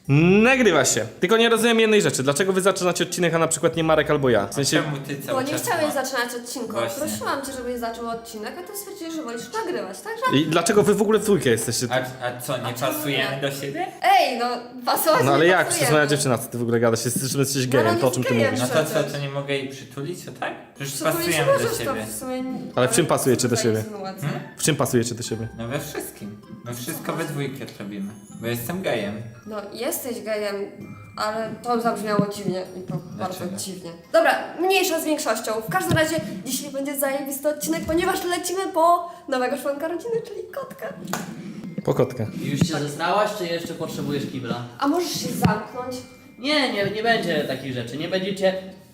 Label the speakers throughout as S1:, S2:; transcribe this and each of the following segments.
S1: Nagrywa się. Tylko nie rozumiem jednej rzeczy. Dlaczego wy zaczynacie odcinek, a na przykład nie Marek albo ja? W sensie...
S2: Czemu ty
S3: Bo
S2: cały
S3: nie
S2: czas
S3: chciałeś
S2: ma-
S3: zaczynać odcinku.
S2: Właśnie.
S3: Prosiłam cię, żebyś zaczął odcinek, a ty stwierdziłeś, że wolisz nagrywać, także...
S1: I dlaczego wy w ogóle w dwójkę jesteście?
S2: A co, nie
S3: czemu
S2: pasujemy
S3: nie?
S2: do siebie?
S3: Ej, no pasować
S1: No ale
S3: nie
S1: jak?
S3: pasujemy.
S1: Przecież moja dziewczyna, co ty w ogóle gadasz? Jesteś gejem,
S3: no
S1: to o czym ty
S3: jest
S1: mówisz?
S3: gejem.
S2: No to co, to nie mogę jej przytulić, o tak? Przecież
S3: Przytulić
S2: pasujemy do
S3: możesz, to
S2: siebie.
S3: w sumie...
S1: Ale w czym pasujecie do siebie?
S3: Insynuacja.
S1: W czym pasujecie do siebie?
S2: No we wszystkim. My wszystko we dwójkę robimy. Bo jestem gejem.
S3: No jesteś gejem, ale to zabrzmiało dziwnie i to bardzo
S2: Dlaczego?
S3: dziwnie. Dobra, mniejsza z większością. W każdym razie dzisiaj będzie zajebisty odcinek, ponieważ lecimy po nowego członka rodziny, czyli kotka.
S1: Po kotkę.
S4: Już się zesrałaś, czy jeszcze potrzebujesz kibla?
S3: A możesz się zamknąć?
S4: Nie będzie takich rzeczy. Nie będziecie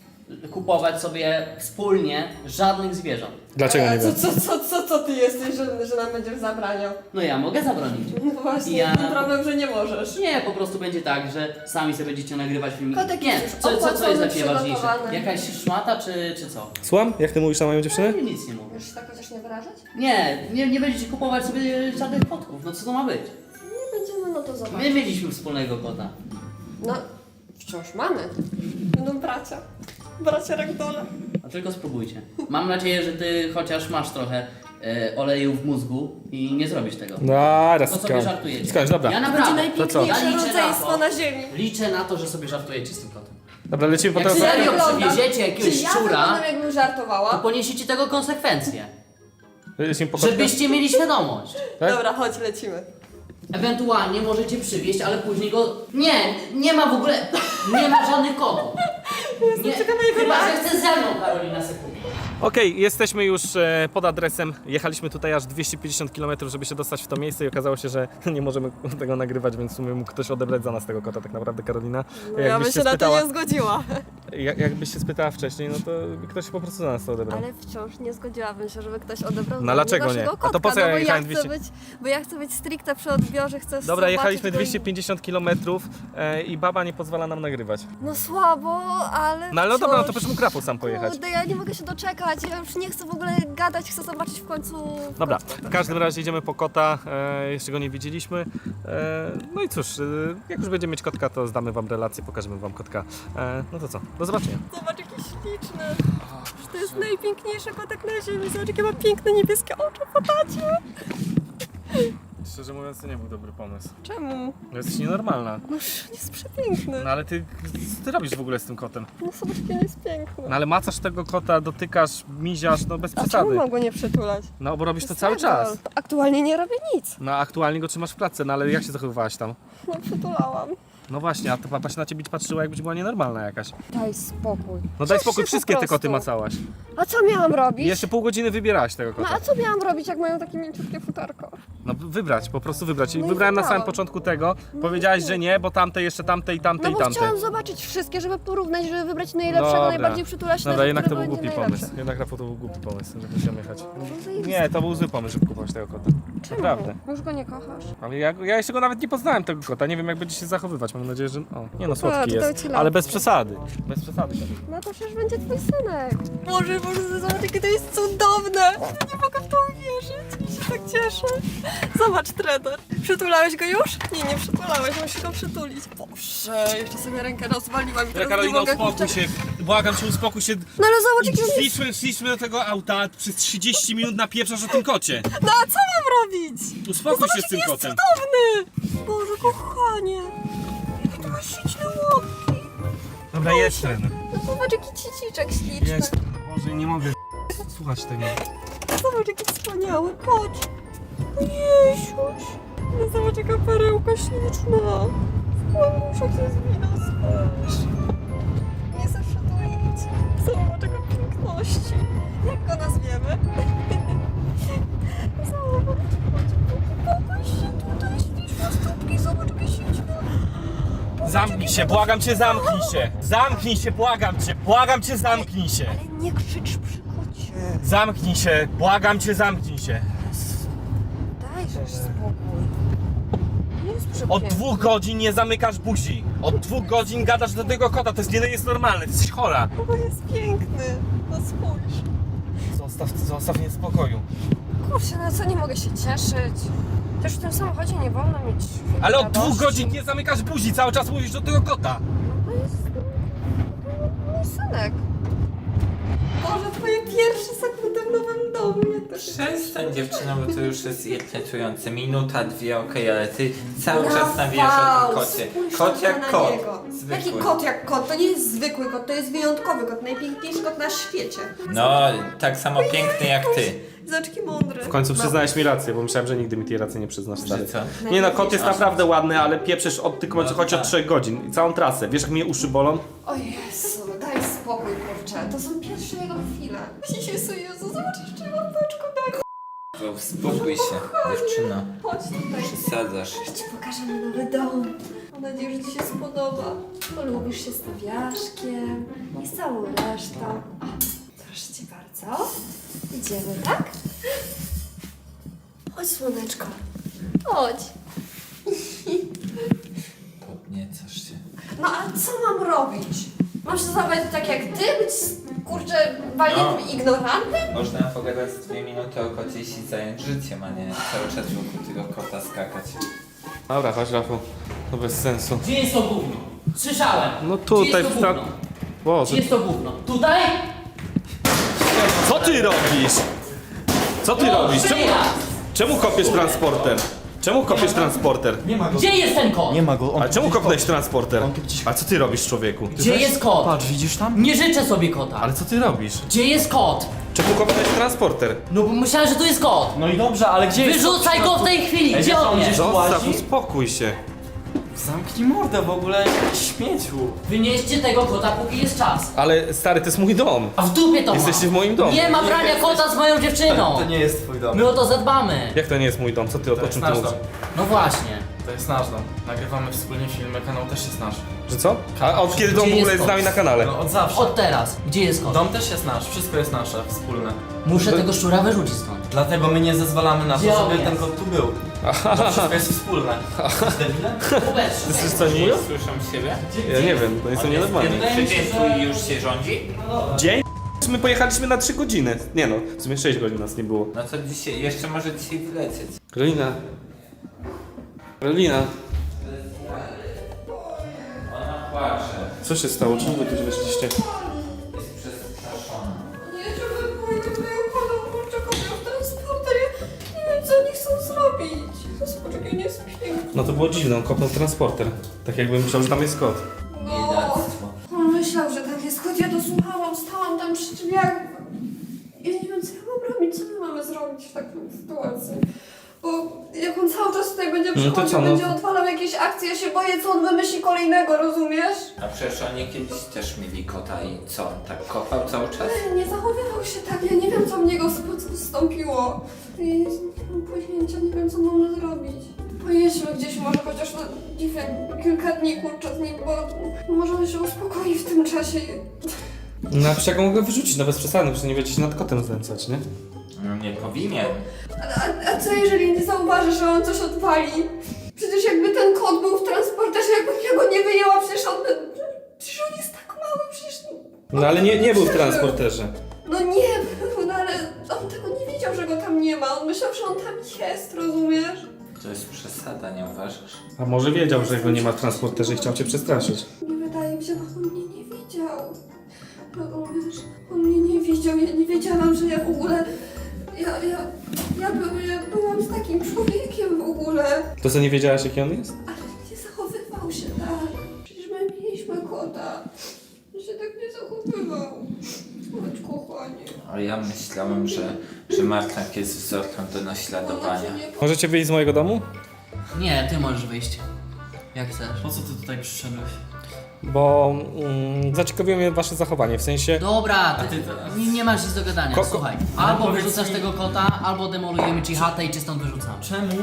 S4: kupować sobie wspólnie żadnych zwierząt.
S1: Dlaczego nie wiem?
S3: Co ty jesteś, że nam będziesz zabraniał?
S4: No ja mogę zabronić.
S3: No właśnie,
S4: Ja-
S3: ten problem, że nie możesz.
S4: Nie, po prostu będzie tak, że sami sobie będziecie nagrywać filmiki.
S3: Kotek
S4: Nie,
S3: jest już
S4: co jest dla
S3: opłacony,
S4: Ciebie ważniejsze?
S3: przygotowany.
S4: Jakaś szmata, czy co?
S1: Słucham? Jak ty mówisz na moją dziewczynę?
S4: Ja nic nie mówię.
S3: Możesz się tak chociaż nie wyrażać?
S4: Nie będziecie kupować sobie żadnych kotków. No co to ma być?
S3: Nie będziemy, no to zobacz.
S4: My mieliśmy wspólnego kota.
S3: No, wciąż mamy. Będą bracia. Bracia Ragdola.
S4: A tylko spróbujcie. Mam nadzieję, że Ty chociaż masz trochę oleju w mózgu i nie zrobisz tego.
S1: Zaraz,
S4: To sobie żartujecie.
S1: skończ, dobra.
S4: Ja
S3: Będzie
S4: naprawdę.
S3: najpiękniejsze
S4: Ja liczę na
S3: rodzeństwo
S4: to.
S3: na ziemi.
S4: Liczę na to, że sobie żartujecie z tym kotem.
S1: Dobra, lecimy po
S4: Jak
S1: telefon.
S4: serio
S3: wyglądam?
S4: przywieziecie jakiegoś
S3: Czy ja
S4: szczura,
S3: wyglądam, jakbym
S4: to
S3: żartowała?
S4: poniesiecie tego konsekwencje.
S1: Lecimy po kotkę.
S4: Żebyście mieli świadomość.
S1: Tak?
S3: Dobra, chodź, lecimy.
S4: Ewentualnie możecie przywieźć, ale później go... Nie ma w ogóle... Nie ma żadnych kotów. Nie, chyba, że chce ze mną, Karolina, sekundę.
S1: Okej, jesteśmy już pod adresem. Jechaliśmy tutaj aż 250 km, żeby się dostać w to miejsce i okazało się, że nie możemy tego nagrywać, więc w sumie mógł ktoś odebrać za nas tego kota tak naprawdę, Karolina.
S3: Ja bym się na to nie zgodziła.
S1: Jakbyś się spytała wcześniej, no to ktoś po prostu za nas to odebrał.
S3: Ale wciąż nie zgodziłabym się, żeby ktoś odebrał
S1: No dlaczego nie?
S3: naszego
S1: A to
S3: kotka,
S1: po co ja
S3: bo
S1: jechałem
S3: chcę
S1: 200?
S3: bo ja chcę być stricte przy odbiorze, chcę
S1: Dobra,
S3: zobaczyć
S1: jechaliśmy
S3: go i-
S1: 250 km i baba nie pozwala nam nagrywać.
S3: No słabo, ale
S1: No ale no dobra, no to
S3: wciąż-
S1: przecież mógł Rafał sam pojechać.
S3: Kurde, ja nie mogę się doczekać, ja już nie chcę w ogóle gadać, chcę zobaczyć w końcu...
S1: Dobra, w każdym razie idziemy po kota, jeszcze go nie widzieliśmy. No i cóż, jak już będziemy mieć kotka, to zdamy wam relację, pokażemy wam kotka. No to co, do zobaczenia.
S3: Zobacz, jaki śliczny. To jest najpiękniejszy kotek na ziemi. Zobacz, jakie ma piękne niebieskie oczy po tacie.
S1: Szczerze mówiąc, to nie był dobry pomysł.
S3: Czemu?
S1: No jesteś nienormalna.
S3: No on jest przepiękny.
S1: No ale ty, co ty robisz w ogóle z tym kotem?
S3: No zobacz, jaki on jest piękny.
S1: No ale macasz tego kota, dotykasz, miziasz, no bez
S3: A czemu
S1: przesady.
S3: mam go nie przytulać?
S1: No bo robisz to
S3: jest
S1: cały
S3: ragdoll.
S1: czas.
S3: Aktualnie nie robię nic.
S1: No aktualnie go trzymasz w klatce, no ale jak się zachowywałaś tam?
S3: No przytulałam.
S1: No właśnie, a to papa się na ciebie patrzyła, jakbyś była nienormalna jakaś.
S3: Daj spokój.
S1: No daj
S3: Ciesz
S1: spokój,
S3: się
S1: wszystkie
S3: po
S1: te koty
S3: prostu.
S1: macałaś.
S3: A co miałam robić?
S1: I jeszcze pół godziny wybierałaś tego
S3: No
S1: kota.
S3: a co miałam robić, jak mają takie mięciutkie futerko?
S1: No wybrać, po prostu wybrać. I
S3: No i
S1: wybrałem na samym
S3: wybrałam.
S1: początku tego, powiedziałaś, że nie, bo tamte jeszcze tamte i tamte
S3: No
S1: i
S3: bo
S1: tamte.
S3: chciałam zobaczyć wszystkie, żeby porównać, żeby wybrać najlepszego,
S1: Dobra.
S3: najbardziej przytulaśnego,
S1: Dobra, jednak to
S3: który
S1: był
S3: będzie
S1: głupi
S3: najlepszy.
S1: pomysł. Jednak Rafał to był głupi pomysł, że musiałem jechać.
S3: zajebisty.
S1: Nie, to był zły pomysł, żeby kupować tego kota.
S3: Czemu?
S1: Naprawdę.
S3: Już go nie kochasz?
S1: Ale ja jeszcze go nawet nie poznałem tego kota, nie wiem jak będzie się zachowywać. Mam nadzieję, że... O, nie no, słodki
S3: to dał
S1: jest,
S3: ci
S1: ale
S3: lampkę.
S1: bez przesady. Bez przesady.
S3: No to przecież będzie twój synek. Boże, zobacz, jakie to jest cudowne. Nie mogę w to uwierzyć. Ja się tak cieszę. Zobacz, Trevor. Przytulałeś go już? Nie przytulałeś, musisz go przytulić. Boże, jeszcze sobie rękę rozwaliłam i teraz nie
S1: Karolina,
S3: mogę...
S1: uspokój się, błagam cię, uspokój się.
S3: No ale zobacz, jaki on jest...
S1: Szliśmy do tego auta, przez 30 minut napieprzasz o tym kocie.
S3: No a co mam robić?
S1: Uspokój się z tym
S3: jest
S1: kotem.
S3: cudowny. Boże, kochanie. Jakie to ma śliczne łapki.
S1: Dobra, jest ten.
S3: No zobacz, jaki ciciczek śliczny.
S1: Jest. Boże, nie mogę słuchać tego.
S3: Zobacz, jaki wspaniały, patrz. Jeziuś. No zobacz, jaka perełka śliczna. W kłamuszach się zwina, spójrz. Nie chcę przytulić. Zobacz, jaka piękności. Jak go nazwiemy? Zobacz, pokaż się tutaj, śliczne stópki, zobacz, jakie śliczne.
S1: Zamknij się, błagam cię, zamknij się. Zamknij się, błagam cię, zamknij się.
S3: Ale nie krzycz przy kocie.
S1: Zamknij się, błagam cię, zamknij się.
S3: Dajże spokój. Nie jest przepiękny.
S1: Od 2 godzin nie zamykasz buzi. Od 2 godzin gadasz do tego kota, to jest normalne, ty jesteś chora.
S3: Bo jest piękny. No spójrz.
S1: Zostaw mnie w spokoju.
S3: Kurczę, no co, nie mogę się cieszyć. Też w tym samochodzie nie wolno mieć...
S1: Ale od
S3: radości.
S1: 2 godzin nie zamykasz buzi, cały czas mówisz do tego kota.
S3: To jest mój synek. Boże, twoje pierwsze sekundy w nowym domu. Jak to się
S2: Przestań
S3: cieszę.
S2: dziewczyno, bo to już jest irytujące. Minuta, 2, okej, ale ty cały czas
S3: Rafał,
S2: nawijasz o tym kocie.
S3: spójrz
S2: Kot
S3: tylko
S2: jak
S3: na
S2: kot.
S3: niego.
S2: Zwykły.
S3: Jaki kot jak kot? To nie jest zwykły kot, to jest wyjątkowy kot. Najpiękniejszy kot na świecie.
S2: No, tak samo piękny jak ty.
S3: Zaczki mądry.
S1: W końcu przyznałeś mi rację, bo myślałem, że nigdy mi tej racji nie przyznasz, stary.
S2: Że co?
S1: Nie no, kot jest naprawdę ładny, ale pieprzesz od tylko chodzi od 3 godzin. I całą trasę. Wiesz jak mnie uszy bolą?
S3: O Jezu, daj spokój, kurczę. To są pierwsze jego chwile. Jezu, Jezu, zobacz jeszcze łapeczko, daj.
S2: Uspokój się, dziewczyno.
S3: Chodź tutaj.
S2: Przesadzasz.
S3: Ja ci pokażę mój nowy dom. Mam nadzieję, że ci się spodoba. Polubisz się stawiaszkiem i z całą resztą. O, proszę cię bardzo. Idziemy, tak? Chodź, słoneczko. Chodź.
S2: Podniecasz się.
S3: No a co mam robić? Mam się zachować tak jak ty? Być, kurczę, walniętym ignorantem?
S2: Można pogadać z 2 minuty o kocie i się zająć życiem, a nie cały czas wokół tego kota skakać.
S1: Dobra, chodź Rafał. To bez sensu.
S4: Gdzie jest to gówno? Słyszałem.
S1: No
S4: Gdzie
S1: tutaj
S4: jest to
S1: w ta...
S4: gówno?
S1: Boże.
S4: Gdzie jest to gówno? Tutaj?
S1: Co ty robisz? Co ty robisz? Czemu kopiesz transporter? Czemu kopiesz transporter?
S5: Nie ma go.
S4: Gdzie jest ten kot?
S5: Nie ma go. On
S1: A czemu kopnąłeś transporter?
S5: On tu gdzieś-
S1: A co ty robisz, człowieku?
S4: Gdzie jest kot?
S5: Patrz, widzisz tam?
S4: Nie życzę sobie kota.
S1: Ale co ty robisz?
S4: Gdzie jest kot?
S1: Czemu kopnąłeś transporter?
S4: No bo myślałem, że tu jest kot.
S5: No i dobrze, ale gdzie jest?
S4: Wyrzucaj go w tej chwili.
S5: Ej,
S4: Gdzie
S5: wiesz,
S4: on
S5: on
S4: jest?
S5: gdzieś-
S1: Zostaw,
S5: łazi?
S1: uspokój się.
S5: Zamknij mordę w ogóle, śmieciu.
S4: Wynieście tego kota, póki jest czas.
S1: Ale stary, to jest mój dom.
S4: A w dupie to
S1: Jesteście w
S4: ma.
S1: moim domu.
S4: Nie ma brania kota z moją dziewczyną.
S5: To nie jest twój dom.
S4: My o to zadbamy.
S1: Jak to nie jest mój dom? Co ty, o
S5: To jest
S1: czym ty
S5: nasz
S1: mówisz?
S5: dom.
S4: No właśnie.
S5: To jest nasz dom. Nagrywamy wspólnie filmy, kanał też jest nasz.
S1: Że co? A od kiedy dom w
S4: Gdzie
S1: ogóle
S4: jest
S1: jest z nami na kanale?
S5: No od zawsze.
S4: Od teraz. Gdzie jest kot?
S5: Dom też jest nasz, wszystko jest nasze, wspólne.
S4: Muszę tego szczura wyrzucić stąd.
S5: Dlatego my nie zezwalamy na to,
S4: Gdzie on
S5: żeby
S4: jest?
S5: ten kot tu był. To wszystko jest wspólne. Jesteś debilem?
S4: Hubert,
S1: Jesteś co, nie?
S2: Słyszą siebie?
S1: Ja nie wiem, to jestem nienormalny.
S2: Czy dzień twój już się rządzi?
S1: Dzień? My pojechaliśmy na 3 godziny. Nie no, w sumie 6 godzin nas nie było.
S2: No to dzisiaj, jeszcze może dzisiaj wylecieć.
S1: Karolina. Karolina.
S2: Ona płacze.
S1: Co się stało? Czemu wy tu weszliście?
S2: Jest przestraszona.
S3: Nie, żeby pójdę do mojego domu, kurczę, kopią w transporter. Ja nie wiem, co oni chcą zrobić. Poczekaj, nie spię.
S1: No to było dziwne, on kopnął transporter. Tak jakbym myślał, że tam jest kot.
S3: No.
S2: Biedactwo.
S3: On myślał, że tak jest, choć ja dosłuchałam, stałam tam przy drzwiach. Ja nie wiem, co ja mam robić, co my mamy zrobić w takiej sytuacji. Bo jak on cały czas tutaj będzie
S1: No to
S3: przychodził,
S1: co, no?
S3: będzie odwalał jakieś akcje, ja się boję, co on wymyśli kolejnego, rozumiesz?
S2: A przecież oni kiedyś też mieli kota i co? On tak kopał cały czas?
S3: Nie zachowywał się tak, ja nie wiem, co w niego wstąpiło. Nie mam pojęcia, nie wiem, co mamy zrobić. Pojedźmy gdzieś może chociaż, no nie wiem, kilka dni kurczę z nim, bo może on się uspokoi w tym czasie.
S1: No a przecież jak go mogę wyrzucić, no bez przesady, przecież nie będziecie się nad kotem znęcać, nie?
S2: No nie powinien.
S3: A co jeżeli nie zauważy, że on coś odwali? Przecież jakby ten kot był w transporterze, jakbym ja go nie wyjęła, przecież on jest tak mały, przecież...
S1: No ale nie był w transporterze.
S3: No nie był, no ale on tego nie wiedział, że go tam nie ma. On myślał, że on tam jest, rozumiesz?
S2: To jest przesada, nie uważasz?
S1: A może wiedział, że go nie ma w transporterze i chciał cię przestraszyć.
S3: Nie wydaje mi się, bo on mnie nie widział. Rozumiesz? On mnie nie widział, ja nie wiedziałam, że ja w ogóle... Ja byłam z takim człowiekiem w ogóle.
S1: To co, nie wiedziałaś jaki on jest?
S3: Ale nie zachowywał się tak. Przecież my mieliśmy kota. On się tak nie zachowywał. Chodź, kochanie.
S2: A ja myślałem, że Martak jest wzorem do naśladowania.
S3: Ona cię nie
S1: Możecie wyjść z mojego domu?
S4: Nie, ty możesz wyjść. Jak chcesz.
S5: Po co ty tutaj przyszedłeś?
S1: Bo zaciekawiło mnie wasze zachowanie, w sensie...
S4: Dobra,
S5: A
S4: ty,
S5: ty teraz?
S4: nie masz nic do gadania,
S1: Ko-
S4: słuchaj.
S5: Ale
S4: Albo
S5: powiedz
S4: wyrzucasz
S5: mi-
S4: tego kota, albo demolujemy ci chatę i cię stąd wyrzucamy.
S5: Czemu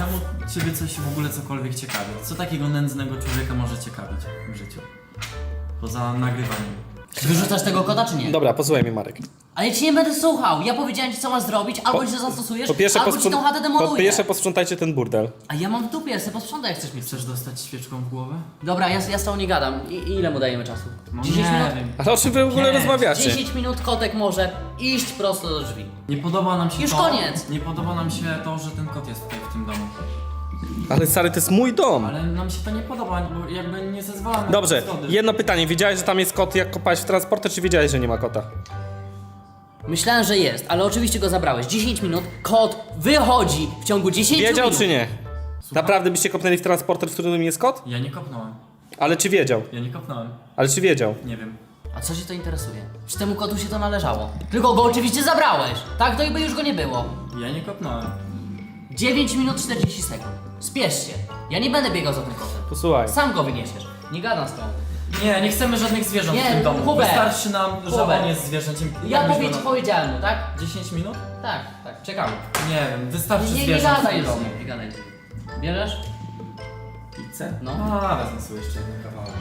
S5: ciebie coś w ogóle cokolwiek ciekawi? Co takiego nędznego człowieka może ciekawić w życiu? Poza nagrywaniem.
S4: Wyrzucasz tego kota czy nie?
S1: Dobra, posłuchaj mnie, Marek.
S4: Ale ja ci nie będę słuchał. Ja powiedziałem ci co masz zrobić, albo się zastosujesz, albo ci tą chatę
S1: po
S4: demoluję.
S1: pierwsze posprzątajcie ten burdel.
S4: A ja mam w dupie, ja sobie posprzątaj jak chcesz mi.
S5: Chcesz dostać świeczką w głowę?
S4: Dobra, ja z tobą nie gadam. Ile mu dajemy czasu?
S5: No
S4: 10
S5: nie
S4: minut?
S5: wiem.
S1: Ale o czym wy w ogóle
S5: Nie,
S1: rozmawiacie?
S4: 10 minut kotek może iść prosto do drzwi.
S5: Nie podoba nam się
S4: Już
S5: to.
S4: koniec.
S5: Nie podoba nam się to, że ten kot jest tutaj w tym domu.
S1: Ale stary, to jest mój dom.
S5: Ale nam się to nie podoba, bo jakby nie zezwalamy
S1: Dobrze,
S5: na zgody.
S1: jedno pytanie. Wiedziałeś, że tam jest kot, jak kopałeś w transporter, czy wiedziałeś, że nie ma kota?
S4: Myślałem, że jest, ale oczywiście go zabrałeś. 10 minut, kot wychodzi w ciągu 10
S1: Wiedział
S4: minut.
S1: czy nie? Naprawdę byście kopnęli w transporter, w którym jest kot?
S5: Ja nie kopnąłem.
S1: Ale czy wiedział?
S5: Ja nie kopnąłem.
S1: Ale czy wiedział?
S5: Nie wiem.
S4: A co cię to interesuje? Czy temu kotu się to należało? Tylko go oczywiście zabrałeś. Tak, to i by już go nie było.
S5: Ja nie kopnąłem.
S4: 9 minut 40 sekund. Spiesz się. Ja nie będę biegał za tym kotem.
S1: Posłuchaj.
S4: Sam go wyniesiesz. Nie gadam z tobą.
S5: Nie chcemy żadnych zwierząt
S4: Nie,
S5: w tym domu.
S4: Hubert.
S5: Wystarczy nam, że
S4: Hubert.
S5: on jest zwierzęciem.
S4: Ja
S5: Jak byś go
S4: powiedziałem mu, tak?
S5: 10 minut?
S4: Tak, czekamy.
S5: Nie wiem, wystarczy
S4: Nie
S5: zwierząt w
S4: gadaj
S5: tym
S4: z
S5: domu.
S4: nim, nie gadaj z nim. Bierzesz?
S5: Pizzę?
S4: No.
S5: A, wezmę sobie jeszcze jeden kawałek.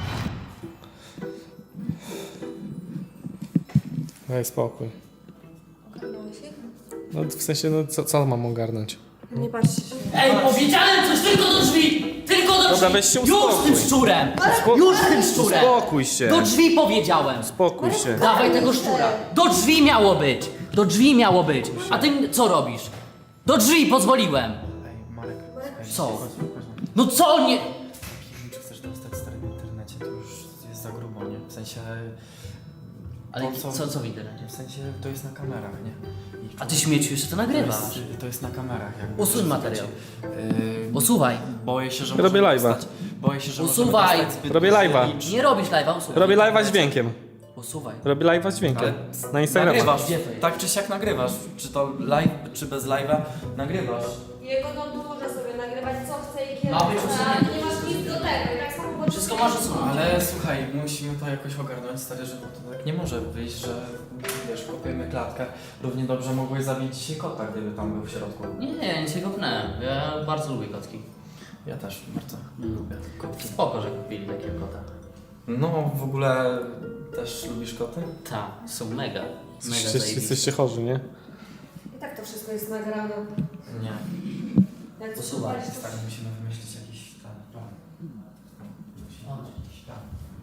S1: Daj spokój.
S3: Ogarnąłeś ich?
S1: No w sensie, no co mam ogarnąć?
S3: Nie patrzcie się.
S4: Ej, powiedziałem coś tylko do drzwi! Tylko do drzwi!
S1: Dobra, weź się
S4: Już z
S1: uspokój.
S4: tym szczurem! Już z tym szczurem!
S1: Spokój się.
S4: Do drzwi powiedziałem!
S1: Spokój się.
S4: Dawaj tego szczura! Do drzwi miało być! Do drzwi miało być! A ty co robisz? Do drzwi pozwoliłem!
S5: Ej, Marek.
S4: Co?
S5: Chodź.
S4: No co nie...
S5: Czy chcesz dostać stary w internecie, to już jest za grubo, nie? W sensie...
S4: Ale
S5: to,
S4: co w internecie?
S5: W sensie to jest na kamerach, nie? I
S4: A ty śmieciu jeszcze to nagrywasz.
S5: to jest na kamerach, jakby.
S4: Usuń materiał.
S5: Yy,
S4: Usuwaj.
S5: boję się, że
S1: Robię
S5: możemy
S1: live'a.
S5: dostać- Boję się, że
S4: Usuwaj.
S5: możemy dostać zbyt
S1: Robię
S5: duży
S1: live'a.
S5: licz.
S4: Nie robisz live'a, usuwaj.
S1: Robię live'a z dźwiękiem.
S4: Usuwaj.
S1: Robię live'a z dźwiękiem.
S5: Ale
S1: Na Instagramie.
S5: Nagrywasz,
S4: Gdzie to jest?
S5: tak czy siak nagrywasz. Czy to live, czy bez live'a, nagrywasz.
S3: Jego dom to może sobie nagrywać co chce i kiedy
S4: Ma być
S3: chce.
S4: usunięte.
S3: Nie masz nic do tego. I tak samo było
S4: Wszystko masz usunąć.
S5: Ale słuchaj, musimy to jakoś ogarnąć, stary, że to tak nie może wyjść, że wiesz, kopiemy klatkę. Równie dobrze mogłeś zabić dzisiaj kota, gdyby tam był w środku.
S4: Nie, nic się kopnęłem. Ja bardzo lubię kotki.
S5: Ja też bardzo lubię kotki.
S4: Spoko, że kupili takiego kota.
S5: No, w ogóle też lubisz koty?
S4: Tak, są mega. Mega
S1: Jesteście
S4: zajebiste.
S1: chorzy, nie?
S3: I tak to wszystko jest nagrane.
S5: Nie.
S3: Jak to
S4: Usuwaj.
S3: słuchać, to
S5: Stary, musimy wymyślić jakiś plan. Musimy mieć jakiś plan.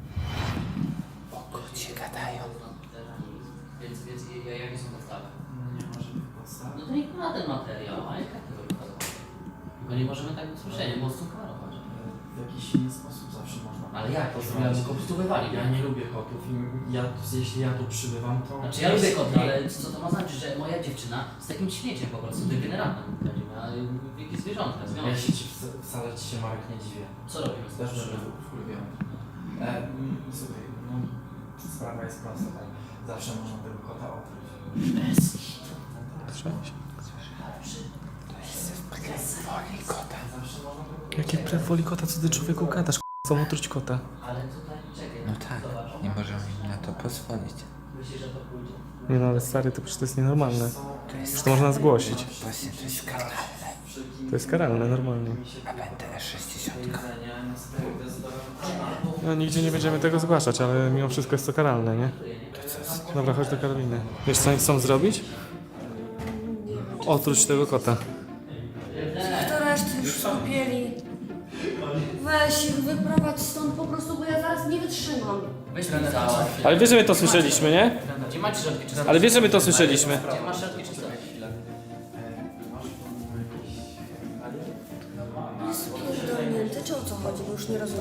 S4: Kocie gadają. Więc jakie są podstawy?
S5: Nie ma żadnych podstaw.
S4: No to niech ma ten materiał, ale jak tego wychodzą? Tylko nie możemy tak usłyszeć, mocno kamerować.
S5: W jakiś inny sposób zawsze można.
S4: Ale jak? To ja go po prostu wywali.
S5: Ja nie lubię kotów i jeśli ja tu przybywam, to...
S4: Znaczy ja lubię koty, ale co to ma znaczyć, że moja dziewczyna z takim śmieciem po prostu degeneratem będziemy, ale jakie zwierzątka,
S5: Ja
S4: związek.
S5: się wcale ci się, Marek, nie dziwię.
S4: Co robimy z
S5: Też
S4: tym?
S5: żeby wkurwiłem. Słuchaj, no sprawa jest prosta, tak? Zawsze można tego kota opróć.
S4: Bez.
S5: Zawsze można tego
S1: Jakie krew woli kota, co ty człowieku gadasz? Chcą otruć kota.
S4: Ale tutaj, czekaj.
S2: No tak,
S4: zobacz.
S2: nie możemy im na to pozwolić.
S4: Myślisz, że to pójdzie?
S1: Nie no, ale stary, to przecież to jest nienormalne.
S2: To jest
S1: Przecież to można zgłosić.
S2: właśnie, to jest karalne.
S1: To jest karalne, normalnie.
S2: A będę 60.
S5: jedzenie, no stary, to jest
S1: No nigdzie nie będziemy tego zgłaszać, ale mimo wszystko jest to karalne, nie? Dobra, chodź do Karoliny. Wiesz co oni chcą zrobić? Otruć tego kota.
S3: to reszty już skupieli. Weź ich wyprowadź stąd po prostu, bo ja zaraz nie wytrzymam.
S4: Weź mi całe.
S1: Ale wiesz, że my to słyszeliśmy, nie?
S4: Gdzie macie środki czyste?
S1: Ale wiesz, że my to słyszeliśmy.
S4: Gdzie masz środki czyste?
S3: Jest pierdolnięty, czy o co chodzi, bo już nie rozumiem.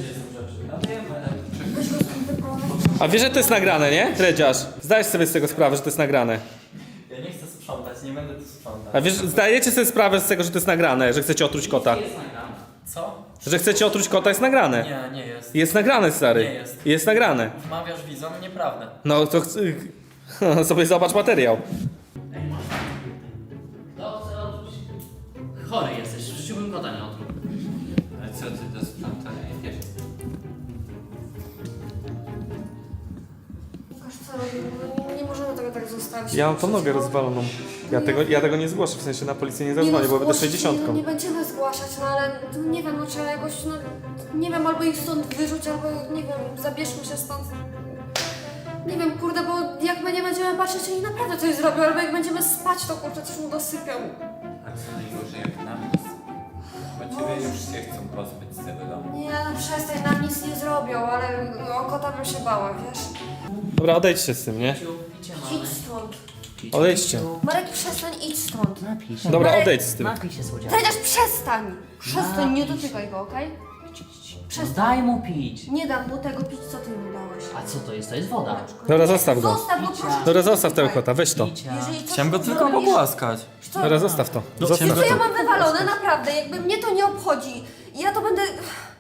S3: Weź go stąd wyprowadź.
S1: A wiesz, że to jest nagrane, nie? Dredziarz. Zdajesz sobie z tego sprawę, że to jest nagrane.
S5: Ja nie chcę sprzątać, nie będę tu sprzątać.
S1: A wiesz, zdajecie sobie sprawę z tego, że to jest nagrane, że chcecie otruć kota.
S4: Jest nagrane.
S5: Co?
S1: Że chcecie otruć kota jest nagrane.
S5: Nie, nie jest.
S1: Jest nagrane, stary.
S5: Nie jest.
S1: Jest nagrane.
S5: Wmawiasz widzom nieprawdę.
S1: No to sobie zobacz materiał.
S4: Kto chce otruć? Chory jesteś, rzuciłbym kota nie otruł.
S2: Ale co ty do sprzątania nie wiesz?
S3: Łukasz, co robimy? No nie możemy tego tak zostawić.
S1: Ja mam tą nogę rozwaloną. Ja tego nie zgłoszę, w sensie na policję nie
S3: Nie no,
S1: zadzwonię, bo będę
S3: zgłosić,
S1: 60.
S3: no, nie będziemy zgłaszać, no ale nie wiem, no trzeba jakoś, no Nie wiem, albo ich stąd wyrzuć, albo nie wiem, zabierzmy się stąd. Nie wiem, kurde, bo jak my nie będziemy patrzeć, to oni naprawdę coś zrobią, albo jak będziemy spać, to kurczę, coś mu dosypią.
S2: A co najgorzej jak nam to bo ciebie już się chcą pozbyć z tego domu.
S3: Nie, no przestań, nam nic nie zrobią, ale o kota bym się bała, wiesz?
S1: Dobra, odejdźcie z tym, nie?
S4: Picie mamy.
S3: Idź stąd.
S4: Picie.
S1: Odejdźcie.
S3: Marek, przestań, idź stąd.
S4: Napij się.
S1: Dobra,
S3: Marek,
S1: odejdź z tym.
S4: Napij się, słodziaku.
S3: Dredziarz, przestań! Przestań, nie
S4: Napij się.
S3: dotykaj go, okej? Przestań.
S4: Daj mu pić.
S3: Nie dam mu tego pić, co ty mu dałeś.
S4: A co to jest? To jest woda.
S1: Dobra, zostaw go.
S3: Zostaw go, proszę.
S1: Dobra, zostaw tego kota, weź to.
S4: Picia.
S3: Jeżeli coś
S5: Chciałem go
S3: mu
S5: tylko
S3: zrobisz-
S5: pogłaskać.
S3: Co?
S1: Dobra, zostaw to. Zostaw
S5: chciałem
S3: Co ja
S1: to.
S3: mam wywalone, naprawdę, jakby mnie to nie obchodzi. Ja to będę...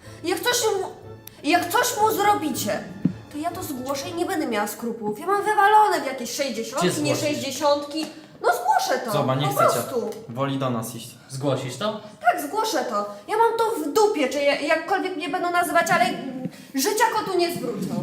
S3: Jak coś mu zrobicie, to ja to zgłoszę i nie będę miała skrupułów. Ja mam wywalone w jakieś 60,
S4: Gdzie
S3: nie
S4: zgłosisz?
S3: 60. No zgłoszę to.
S5: Zobacz, nie
S3: po
S5: chcecie.
S3: prostu.
S5: Woli do nas iść.
S4: Zgłosisz to?
S3: Tak, zgłoszę to. Ja mam to w dupie, czy jakkolwiek mnie będą nazywać, ale życia kotu nie zwrócą.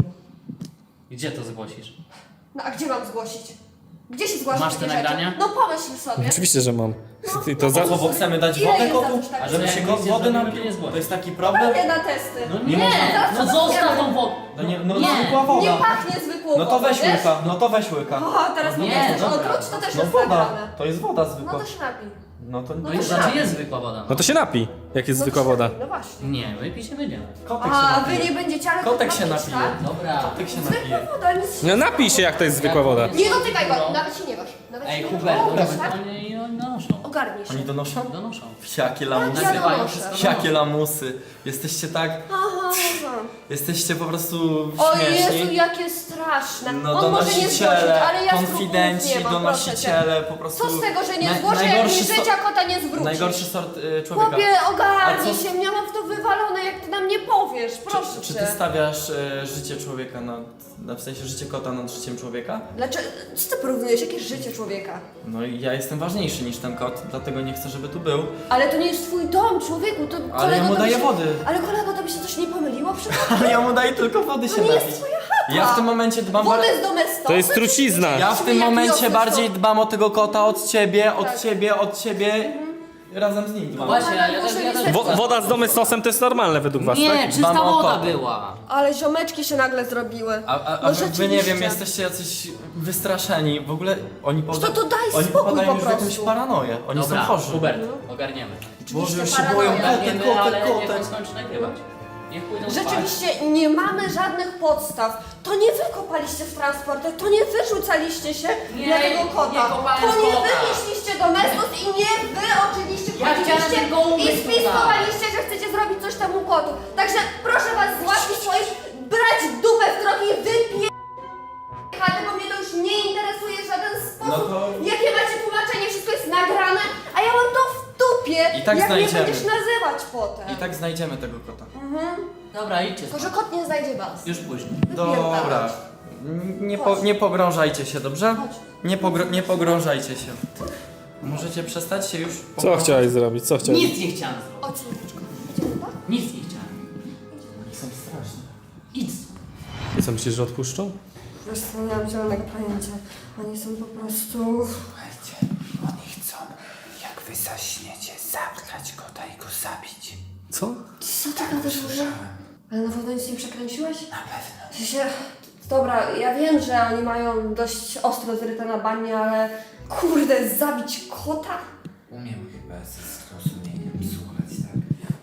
S4: Gdzie to zgłosisz?
S3: No a gdzie mam zgłosić? Gdzie się zgłaszać
S4: Masz
S3: takie
S4: te
S3: rzeczy?
S4: nagrania?
S3: No pomyśl sobie.
S1: Oczywiście, że mam. I to za...
S5: Co, bo chcemy dać
S3: Ile
S5: wodę
S3: jest za
S5: kotu?
S3: coś takiego?
S5: A żeby
S4: Jak
S5: się
S4: nic
S5: go
S4: nie
S5: wody
S4: zrobimy,
S5: napił?
S4: to nie zgłoś.
S5: To jest taki problem?
S3: Nie na testy.
S4: No
S5: Nie
S4: nie!
S5: można.
S4: No zostaw tą wodę!
S5: No nie, no
S4: Nie.
S5: zwykła
S3: Nie
S5: woda.
S3: pachnie zwykłą
S5: No to
S3: wodą,
S5: weź
S3: wiesz?
S5: łyka, no to weź łyka.
S3: O, teraz
S4: Nie,
S3: nie chcesz
S4: dobra.
S3: odwróć, to też
S5: No
S3: jest
S5: woda,
S3: nagrane.
S5: to jest woda
S3: No
S5: zwykła.
S3: to się napij.
S5: No to
S4: No
S3: to
S4: i
S3: się
S4: znaczy
S3: napij.
S4: jest zwykła woda.
S1: No to się napij, jak jest
S3: No to
S1: zwykła
S3: się
S1: woda.
S3: napij, no właśnie.
S4: Nie, my pić nie będziemy.
S5: kotek się
S3: A wy
S5: napije.
S3: nie będziecie, ale
S5: Kotek
S3: to
S5: się
S3: ma pić,
S5: napije.
S3: tak?
S4: Dobra.
S5: Kotek się
S3: Zwykła
S5: napije.
S3: woda, nic
S1: No napij się, jak to jest zwykła woda.
S3: Nie dotykaj go, nawet się nie waż. Nawet
S4: Ej,
S3: się nie
S4: Hubert,
S3: waż. Tak?
S4: oni donoszą.
S3: Ogarnij się.
S5: Oni donoszą?
S4: Donoszą.
S5: Jakie lamusy.
S3: Ja
S4: Nagrywają
S3: donoszę.
S4: wszystko.
S5: Jakie lamusy. Jesteście tak...
S3: Aha, aha.
S5: Jesteście po prostu
S3: O Jezu,
S5: śmieszni.
S3: jakie straszne.
S5: No
S3: On może nie zgłosić,
S5: donosiciele,
S3: ale ja
S5: konfidenci,
S3: skrupułów nie mam, proszę cię.
S5: donosiciele, po prostu...
S3: Co z tego, że nie
S5: Na-
S3: zgłoszę, jak mi
S5: najgorszy
S3: życia kota nie zwrócisz?
S5: Najgorszy sort człowieka.
S3: Chłopie, ogarnij
S5: A co-
S3: się, ja mam w to wywalone, jak ty nam nie powiesz, proszę
S5: Czy
S3: cię.
S5: ty stawiasz życie człowieka w sensie życie kota nad życiem człowieka?
S3: Dlaczego? Co ty porównujesz? Jakie życie człowieka?
S5: No i ja jestem ważniejszy niż ten kot, dlatego nie chcę, żeby tu był.
S3: Ale to nie jest twój dom, człowieku, to
S5: Ale
S3: kolego,
S5: ja mu
S3: to
S5: daję
S3: by się...
S5: wody.
S3: Ale kolego, to by się coś nie pomyliło przypadkiem?
S5: Ale ja mu daję tylko wody się
S3: To nie jest
S5: napić.
S3: twoja chata.
S5: Ja w tym momencie dbam
S3: Wodę
S5: bardziej...
S3: z domestosy?
S1: To jest trucizna.
S5: Ja w tym
S3: Jak
S5: momencie
S3: wiosny
S5: bardziej
S3: są.
S5: dbam o tego kota od ciebie, od
S3: Tak.
S5: ciebie, od ciebie. Razem z nim dbam.
S4: Właśnie,
S3: Ale
S4: ja
S3: muszę
S4: też... Ja
S3: mieć
S4: też
S1: Woda z domestosem to jest normalne według was,
S4: nie,
S1: tak?
S4: czysta
S5: Dbam o
S4: woda
S5: kota.
S4: była.
S3: Ale ziomeczki się nagle zrobiły.
S5: A
S3: No
S5: wy nie
S3: rzeczywiście.
S5: wiem, jesteście jacyś wystraszeni. W ogóle oni
S3: To daj
S5: oni
S3: spokój
S5: popadają
S3: po
S5: już w jakąś
S3: prostu.
S5: paranoję. Oni
S4: Dobra,
S5: są chorzy.
S4: Hubert, ogarniemy.
S5: Boże, już się
S3: paranoja.
S5: boją. Kotek,
S4: Ogarniemy, ale
S5: kotek,
S4: niech on
S5: kotek.
S4: skończy nagrywać. Niech pójdą spać.
S3: Rzeczywiście nie mamy żadnych podstaw. To nie wy kopaliście w transportach, to nie wy rzucaliście się
S4: Nie,
S3: na tego kota.
S4: nie kopałem
S3: To nie
S4: kota.
S3: wy nieśliście do mestus i nie wy oczywiście
S4: Ja chciałem
S3: chodziliście
S4: tylko
S3: i
S4: umyć
S3: spiskowaliście, że chcecie zrobić coś temu kotu. Także proszę was z łaski swoich brać dupę w drogi i wypie... bo mnie to już nie interesuje w żaden sposób.
S5: No to-
S3: Jakie macie tłumaczenie, wszystko jest nagrane, a ja mam to w dupie,
S5: I tak
S3: jak
S5: znajdziemy.
S3: mnie będziesz nazywać potem.
S5: I tak znajdziemy tego kota.
S4: Dobra, idźcie
S3: Tylko,
S4: spać.
S3: że kot nie znajdzie was.
S4: Już później.
S5: Dobra. Nie pogrążajcie się, dobrze?
S3: Chodź.
S5: Nie pogrążajcie się. Możecie przestać się już
S1: Co
S5: pogrążać?
S1: chciałeś zrobić? Co chciałeś?
S4: Nic nie chciałem zrobić.
S3: Chodź, Słoneczko. Idziemy, tak?
S4: Nic nie chciałem.
S5: Oni są straszni.
S4: Idź.
S1: I co, myślisz, że odpuszczą?
S3: Wiesz co, nie mam zielonego pojęcia. Oni są po prostu...
S2: Słuchajcie, oni chcą, jak wy zaśniecie, zabrać kota i go zabić.
S1: Co?
S3: Co ty gadasz w ogóle?
S2: Słyszałem,
S3: Ale na pewno nic nie przekręciłeś?
S2: na pewno.
S3: W sensie... Dobra, ja wiem, że oni mają dość ostro zryte na banie, ale... Kurde, zabić kota?
S2: Umiem chyba ze zrozumieniem słuchać, tak?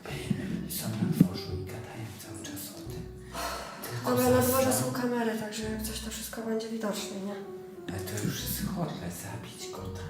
S2: Są na dworzu i gadają cały czas o tym. Tylko
S3: Dobra, na dworze
S2: zasnął.
S3: są kamery, także jak coś to wszystko będzie widoczne, nie?
S2: Ale to już jest chore, zabić kota.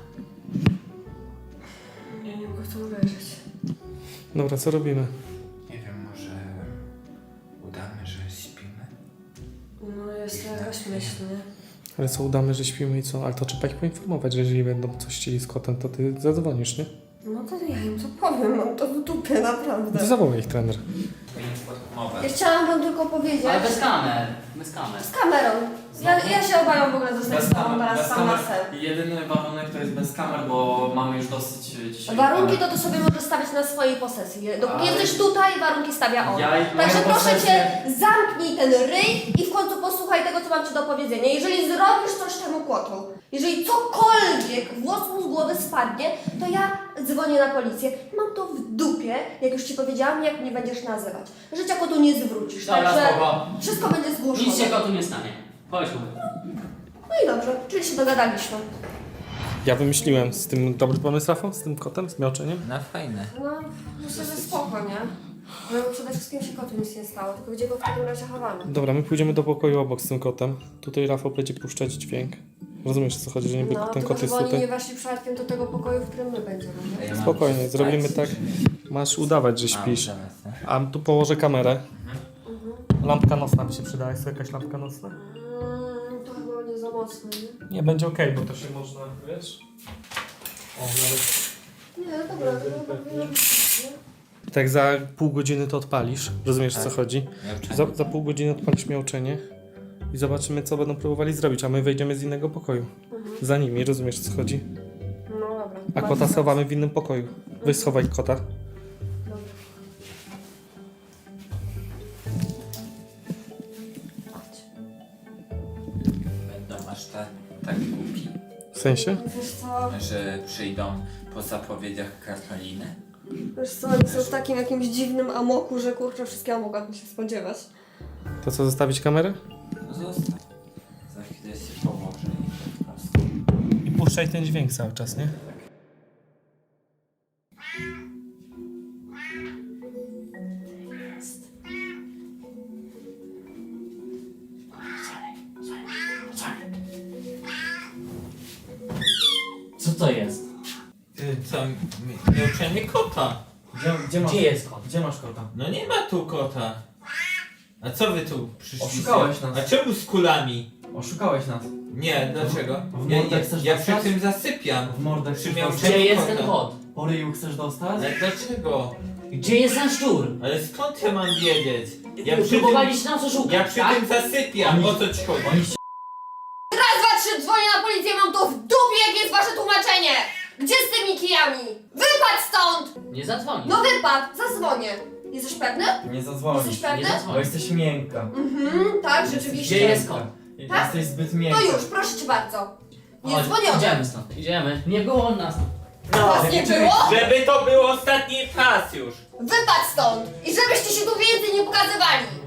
S3: Ja nie mogę w to uwierzyć.
S1: Dobra, co robimy?
S2: Nie wiem, może udamy, że śpimy?
S3: No jest to jakaś myśl, nie?
S1: Ale co, udamy, że śpimy i co? Ale to trzeba ich poinformować, że jeżeli będą coś chcieli z kotem, to ty zadzwonisz, nie?
S3: No to ja im to powiem, mam to w dupie, naprawdę.
S1: To zawołaj ich trener.
S3: Ja chciałam wam tylko powiedzieć...
S4: Ale bez kamer. Bez kamer.
S3: Z kamerą. Ja się obawiam w ogóle zostać z tobą teraz sam na sen.
S5: Jedyny warunek to jest bez kamer, bo mamy już dosyć dzisiaj.
S3: Warunki to sobie możesz stawiać na swojej posesji. Dopóki
S5: Ale-
S3: jesteś tutaj, warunki stawia on.
S5: Ja i
S3: Także
S5: moją
S3: proszę
S5: posesję-
S3: cię, zamknij ten ryj i w końcu posłuchaj tego, co mam ci do powiedzenia. Jeżeli zrobisz coś temu kotu, jeżeli cokolwiek włos mu z głowy spadnie, to ja dzwonię na policję. Mam to w dupie, jak już ci powiedziałam, jak mnie będziesz nazywać. Życia kotu nie zwrócisz,
S4: Dobra,
S3: także
S4: spoko.
S3: wszystko będzie zgłoszone.
S4: Nic się kotu nie stanie. Chodźmy.
S3: No i dobrze, czyli się dogadaliśmy.
S1: Ja wymyśliłem z tym dobry pomysł, Rafał? Z tym kotem, z miauczeniem?
S2: No fajne.
S3: No, myślę, że spoko, nie? Bo przede wszystkim się kotu nic nie stało, tylko gdzie go w takim razie chowamy.
S1: Dobra, my pójdziemy do pokoju obok z tym kotem. Tutaj Rafał będzie puszczać dźwięk. Rozumiesz, o co chodzi, że niby
S3: No,
S1: ten
S3: tylko
S1: kot jest
S3: żeby oni nie
S1: tutaj?
S3: weszli przypadkiem do tego pokoju, w którym my będziemy, nie?
S2: Ja mam
S1: Spokojnie,
S2: spać,
S1: zrobimy tak.
S2: czy-
S1: Masz udawać, że
S2: A,
S1: śpisz.
S2: zaraz, no.
S1: A tu położę kamerę. Lampka nocna by się przydała. Jest tu jakaś lampka nocna?
S3: To chyba będzie za mocno, nie?
S1: Nie, będzie okej, bo to się można, wiesz? O, nawet...
S3: Nie, dobra, to powinno być, nie?
S1: Tak za pół godziny to odpalisz. Rozumiesz, o co
S2: Tak.
S1: chodzi?
S2: Miauczenie.
S1: Za pół godziny odpalisz miauczenie i zobaczymy, co będą próbowali zrobić, a my wejdziemy z innego pokoju. Za nimi, rozumiesz, o co chodzi?
S3: No dobra.
S1: A
S3: Ma
S1: kota
S3: sens.
S1: schowamy w innym pokoju. Weź schowaj kota.
S3: Dobra.
S2: Będą aż tak głupi,
S1: W sensie?
S3: Wiesz co,
S2: że przyjdą po zapowiedziach Karoliny.
S3: oni są w takim jakimś dziwnym amoku, że kurczę, wszystkiego mogłabym się spodziewać.
S1: To co, zostawić kamerę?
S2: No zostaw. Za chwilę się położę i po prostu.
S1: I puszczaj ten dźwięk cały czas, nie?
S4: Co to jest?
S2: Ty co, miauczenie kota?
S4: Gdzie jest kot?
S5: Gdzie masz kota?
S2: No nie ma tu kota. A co wy tu przyszliście?
S5: Oszukałeś nas.
S2: A czemu z kulami?
S5: Oszukałeś nas.
S2: Nie, dlaczego?
S5: W
S2: Ja,
S5: mordę
S2: ja,
S5: chcesz
S2: ja przy
S5: dostać?
S2: tym zasypiam.
S5: W mordę
S2: Przy
S5: chcesz
S2: miauczeniu
S4: Gdzie jest
S2: kota.
S4: ten kot?
S5: Po ryju chcesz dostać?
S2: Ale dlaczego?
S4: Gdzie jest ten szczur?
S2: Ale skąd ja mam wiedzieć? Ja przy tym,
S4: Próbowaliście nas oszukać,
S2: ja przy
S4: tak?
S2: tym zasypiam, o co ci chodzi?
S5: Oni się...
S3: Raz, dwa, trzy, dzwonię na policję, mam to w dupie, jakie jest wasze tłumaczenie! Gdzie z tymi kijami? Wypadł stąd!
S4: Nie zadzwoni.
S3: No wypadł, zadzwonię. Jesteś pewny?
S5: Nie
S3: Jesteś
S5: zadzwonisz.
S3: pewny?
S4: Nie zadzwoni.
S5: Bo jesteś miękka.
S3: Tak, rzeczywiście.
S4: Gdzie jest kot?
S3: Tak?
S5: Jesteś zbyt
S3: To
S5: miękka.
S3: już, proszę cię bardzo. Nie
S4: Chodź,
S3: dzwonione.
S4: idziemy stąd, idziemy. Nie było on nas.
S3: Was nie było?
S2: Żeby to był ostatni raz już.
S3: Wypadł stąd! I żebyście się tu więcej nie pokazywali!